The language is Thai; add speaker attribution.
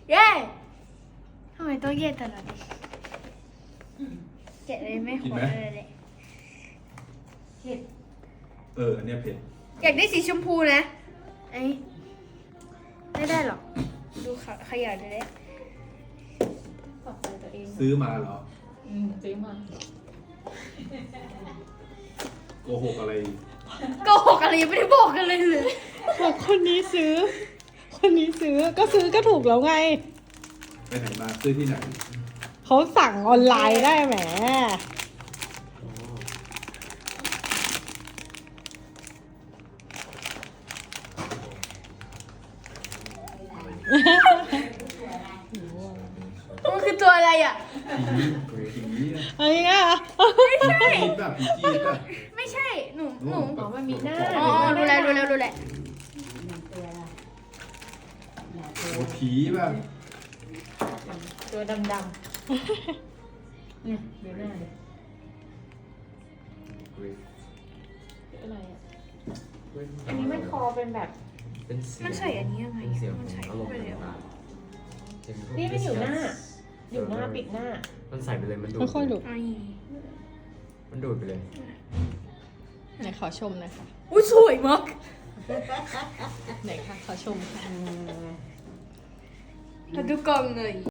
Speaker 1: เย้ทำไมต้องเย้ตลอดแกะเลยไม่ขอเลย
Speaker 2: เผ็ด
Speaker 3: อันเนี้ยเผ็ด
Speaker 1: อยากได้สีชมพูนะไอ้ไม่ได้หรอกดูขยะเลย
Speaker 2: ปรับตัวเอง
Speaker 3: ซื้อมาเหรอ
Speaker 2: ซื้อมา
Speaker 3: โกหกอะไร
Speaker 1: โกหกอะไรยังไม่ได้บอกกันเลย
Speaker 4: บอกคนนี้ซื้อ คนนี้ซื้อก็ซื้อก็ถูกแล้วไง
Speaker 3: ไปไหนมาซื้อที่ไหน
Speaker 4: เขาสั่งออนไลน์ได้แหม
Speaker 1: มันคือตัวอะไรอ่ะ
Speaker 3: ผีอะ
Speaker 4: อะไรเงี้ย
Speaker 1: ไม่ใช่
Speaker 3: ผีแบบผีจีนแบบ
Speaker 1: ไม่ใช่หนู
Speaker 3: อ๋อ
Speaker 2: มันมีหน้า
Speaker 1: อ๋อดูแล
Speaker 3: โอ้ผีแบบ
Speaker 2: ตัวดำเนี่ยดูหน้าเลยอะไรอ่ะอันนี้มันคอเป็นแบบ
Speaker 5: เป็นเสียง
Speaker 1: มันใส่อันนี้ยังไง
Speaker 5: เป็นเสียง
Speaker 1: มันใส่
Speaker 5: อารมณ์
Speaker 1: ไปเลย
Speaker 5: ต่างๆเป็นพวก
Speaker 2: นี่มันอยู่หน้า
Speaker 5: discuss
Speaker 2: อยู่หน้าปิดหน้า
Speaker 5: มันใส่ไปเลยมันดูด
Speaker 4: ค่อยๆดู
Speaker 1: ไอ้
Speaker 5: มันดูดไปเลย
Speaker 4: ไหนขอชมหน่อยค่ะ
Speaker 1: อุ้ยสวยมาก
Speaker 4: ไหนคะขอชมค่ะ
Speaker 1: มาดูกล่องหน่อย